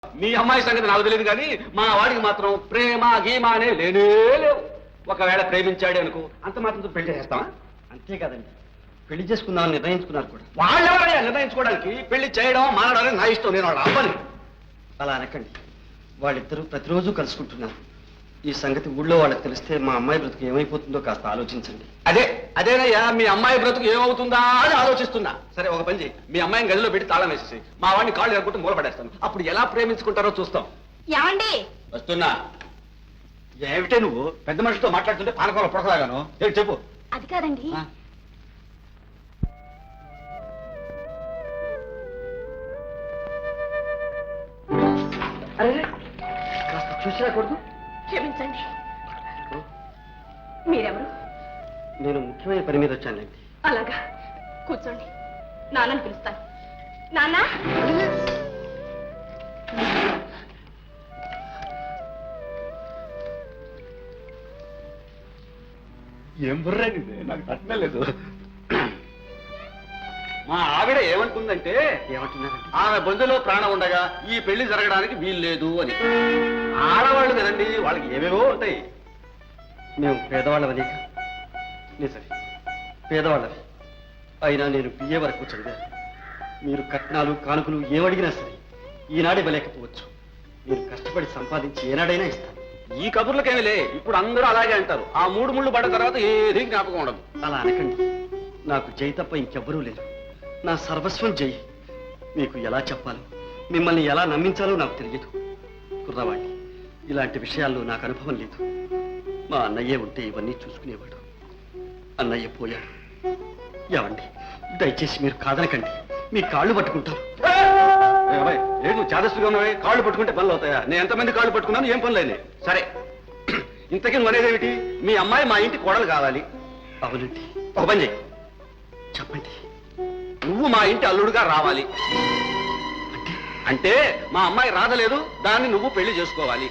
మీ అమ్మాయి సంగతి నాకు తెలియదు కానీ మా వాడికి మాత్రం ప్రేమ గీమ అనే లేనే లేవు. ఒకవేళ ప్రేమించాడే అనుకో అంత మాత్రం పెళ్లి చేస్తావా? అంతే కదండి, పెళ్లి చేసుకుందామని నిర్ణయించుకున్నారు కూడా. వాళ్ళెవరయ్యా నిర్ణయించుకోవడానికి? పెళ్లి చేయడం మానడం నా ఇష్టం, నేను వాళ్ళ అవ్వని. అలా అనకండి, వాళ్ళిద్దరూ ప్రతిరోజు కలుసుకుంటున్నారు. ఈ సంగతి ఊళ్ళో వాళ్ళకి తెలిస్తే మా అమ్మాయి బ్రతుకు ఏమైపోతుందో కాస్త ఆలోచించండి. అదేనయ్యా మీ అమ్మాయి బ్రతుకు ఏమవుతుందా అని ఆలోచిస్తున్నా. సరే ఒక పని చేయి, మీ అమ్మాయిని గదిలో పెట్టి తాళం వేసేసి మా వాడిని కాళ్ళు ఎరగొట్టి మూలపడేస్తాను. అప్పుడు ఎలా ప్రేమించుకుంటారో చూస్తాం. ఏమండి? వస్తున్నా. ఏమిటే నువ్వు పెద్ద మనిషితో మాట్లాడుతుంటే పానకంలో పొడకలాగాను? చెప్పు. అది కాదండి, అరే కాస్త చూసి రాకూడదు? క్షమించండి. మీరెవరు? నేను ముఖ్యమైన పని మీద వచ్చానండి. అలాగా, కూర్చోండి. నాన్నని పిలుస్తాను. నాన్న, ఏం బుర్రండి, నాకు తట్టలేదు. మా ఆవిడ ఏమనుకుందంటే, ఏమంటున్నారండి? ఆమె బొందులో ప్రాణం ఉండగా ఈ పెళ్లి జరగడానికి వీలు లేదు అని. ఆడవాళ్ళు కదండి, వాళ్ళకి ఏమేవో ఉంటాయి. మేము పేదవాళ్ళమని. నిజమే, పేదవాళ్ళని. అయినా నేను బిఏ వరకు చదివాను. మీరు కట్నాలు కానుకలు ఏమడిగినా సరే ఈనాడు ఇవ్వలేకపోవచ్చు. మీరు కష్టపడి సంపాదించి ఏనాడైనా ఇస్తాను. ఈ కబుర్లకేమిలే, ఇప్పుడు అందరూ అలాగే అంటారు. ఆ 3 ముళ్ళు పడ్డ తర్వాత ఏది జ్ఞాపకం ఉండదు. అలా అనకండి, నాకు జై తప్ప ఇంకెవ్వరూ లేరు. నా సర్వస్వం జై. మీకు ఎలా చెప్పాలో, మిమ్మల్ని ఎలా నమ్మించాలో నాకు తెలియదు. కుర్రవాణ్ణి, ఇలాంటి విషయాల్లో నాకు అనుభవం లేదు. మా అన్నయ్యే ఉంటే ఇవన్నీ చూసుకునేవాడు. అన్నయ్య పోయాడు. ఏమండి, దయచేసి మీరు కాదనకండి, మీ కాళ్ళు పట్టుకుంటారు. నువ్వు చాదస్తుగా ఉన్నావే, కాళ్ళు పట్టుకుంటే పనులు అవుతాయా? నేను ఎంతమంది కాళ్ళు పట్టుకున్నాను, ఏం పనులు అయినాయి? సరే, ఇంతకీ నువ్వనేదేమిటి? మీ అమ్మాయి మా ఇంటి కోడలు కావాలి. అవునండి. ఒక పని చెయ్యి, చెప్పండి. నువ్వు మా ఇంటి అల్లుడుగా రావాలి. అంటే మా అమ్మాయి రాదలేదు, దాన్ని నువ్వు పెళ్లి చేసుకోవాలి.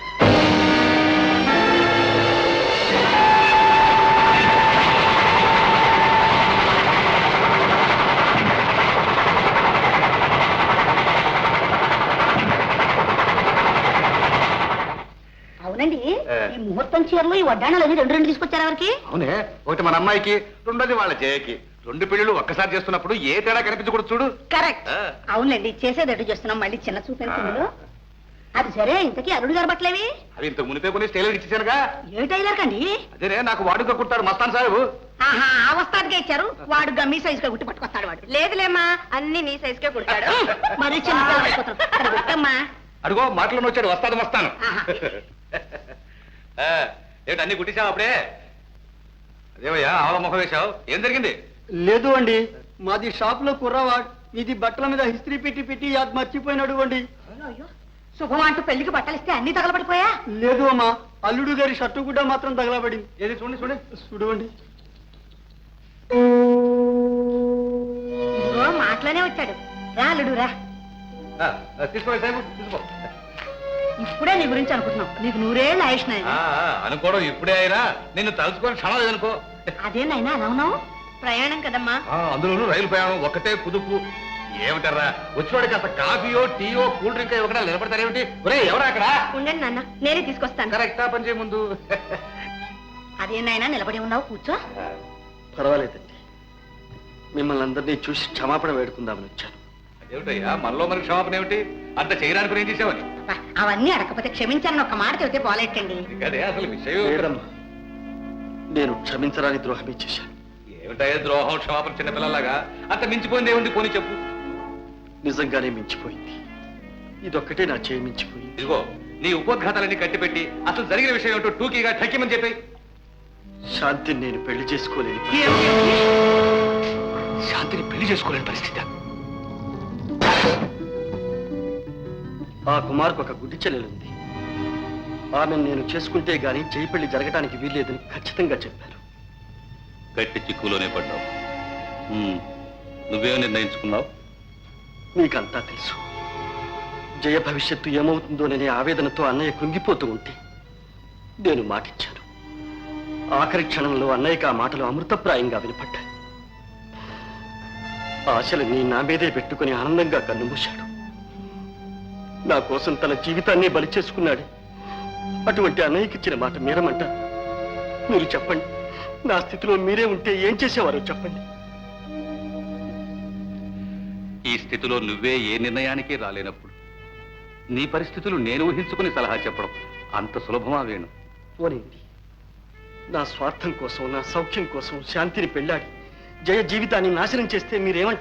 అవునండి, ఈ ముహూర్తం చీరలు ఈ వడ్డాణాలు అవి రెండు తీసుకొచ్చారా వారికి? అవునే, ఒకటి మన అమ్మాయికి, రెండోది వాళ్ళ జయకి. 2 పెళ్లిళ్ళు ఒక్కసారి చేస్తున్నప్పుడు ఏ తేడా కనిపించకూడదు చూడు. కరెక్ట్. అవునండి, చేసేదట్టు చేస్తున్నాం. మళ్ళీ చిన్న చూపించు. అది సరే, ఇంతకీ అల్లుడు గారు బట్టలేవి? అవి ఇంతకు మునిపే కొన్ని టైలర్ ఇచ్చేసానుగా. ఏ టైలర్ కండి? అదేనే, నాకు వాడుగా కుడతాడు మస్తాన్ సాహెబు. ఆహా, ఆ వస్తాదిగా ఇచ్చారు. వాడు గమ్మి సైజుగా గుట్టి పట్టుకొస్తాడు. వాడు లేదులేమ్మా, అన్ని నీ సైజుకే కుడతాడు. మరి చిన్న అడుగో మాటలను వచ్చాడు, వస్తాను వస్తాను. ఏంటి అన్ని కుట్టించావు అప్పుడే? అదేవయ్యా ఆవ ముఖం వేశావు, ఏం జరిగింది? లేదు అండి, మాది షాప్ లో కుర్రవాడు. ఇది బట్టల మీద హిస్త్రీ పెట్టి పెట్టి అది మర్చిపోయినాడు అండి. శుభం అంటూ పెళ్లికి బట్టలిస్తే అన్ని తగలబడిపోయా? లేదు అమ్మా, అల్లుడు గారి షర్టు కూడా మాత్రం తగలబడింది. ఏది చూడండి చూడండి చూడండి. ఇదిగో మాటలోనే వచ్చాడు. రా అల్లుడు రా. తీసుకోండి సాహెబు, తీసుకో. ఇప్పుడే నీ గురించి అనుకుంటున్నావు. నీకు 100 ఏళ్ళు ఆయుష్ నాయన. అనుకోవడం ఇప్పుడే అయినా నిన్ను తలుచుకొని క్షణం లేదనుకో. అదేనాయనా అలా ఉన్నావు? ప్రయాణం కదమ్మా. అందులోనూ రైలు ప్రయాణం ఒక్కటే కుదుపు. ఏమిటారా వచ్చినవాడికి అసలు కాఫీయో టీయో కూల్ డ్రింక్ ఇవ్వకుండా నిలబడతారేమిటి? ఒరే ఎవరా అక్కడ? ఉండండి నాన్న, నేనే తీసుకొస్తాను. కరెక్టా పని చేయ ముందు. అదేనాయనా నిలబడి ఉన్నావు, కూర్చో. పర్వాలేదండి, మిమ్మల్ని అందరినీ చూసి క్షమాపణ వేడుకుందామని వచ్చాను. ఏమిటయ్యా మనలో మనకి క్షమాపణ ఏమిటి? అంత చేయడానికి ఏం చేసావని? అవన్నీ అడగకపోతే క్షమించాలని ఒక మాట చెబితే పోలేటండి. అదే అసలు విషయం. లేదమ్మా, నేను క్షమించరాని ద్రోహమే చేశాను. ఏమిటయ్యా ద్రోహం క్షమాపణ చిన్నపిల్లలాగా? అంత మించిపోయింది ఏముంది, పోనీ చెప్పు. నిజంగానే మించిపోయింది. ఇదొక్కటే నా చేయి మించిపోయింది. ఇదిగో నీ ఉపోద్ఘాతాలన్నీ కట్టిపెట్టి అసలు జరిగిన విషయం ఏమిటో టూకీగా ఠక్కిమని చెప్పి. శాంతిని నేను పెళ్లి చేసుకోలేను. శాంతిని పెళ్లి చేసుకోలేని పరిస్థితి? ఆ కుమార్కు ఒక గుడ్డి చెల్లెలుంది. ఆమెను నేను చేసుకుంటే గాని చేయి పెళ్లి జరగటానికి వీల్లేదని ఖచ్చితంగా చెప్పారు. గట్టి చిక్కులోనే పడ్డావు. నువ్వేం నిర్ణయించుకున్నావు? నీకంతా తెలుసు. జయ భవిష్యత్తు ఏమవుతుందోననే ఆవేదనతో అన్నయ్య కృంగిపోతూ ఉంటే నేను మాటిచ్చాను. ఆఖరి క్షణంలో అన్నయ్యకి ఆ మాటలు అమృతప్రాయంగా వినపడ్డాయి. ఆశలు నీ నా మీదే పెట్టుకుని ఆనందంగా కన్నుమూశాడు. నా కోసం తన జీవితాన్ని బలి చేసుకున్నాడు. అటువంటి అన్నయ్యకి ఇచ్చిన మాట మీరమంటారు. మీరు చెప్పండి, నా స్థితిలో మీరే ఉంటే ఏం చేసేవారో చెప్పండి. ఈ స్థితిలో నువ్వే ఏ నిర్ణయానికి రాలేనప్పుడు నీ పరిస్థితులు నేను ఊహించుకుని సలహా చెప్పడం అంత సులభమా వేణు? పోనింది. నా స్వార్థం కోసం, నా సౌఖ్యం కోసం శాంతిని పెళ్ళాడి జయ జీవితాన్ని నాశనం చేస్తే మీరేమంటారు?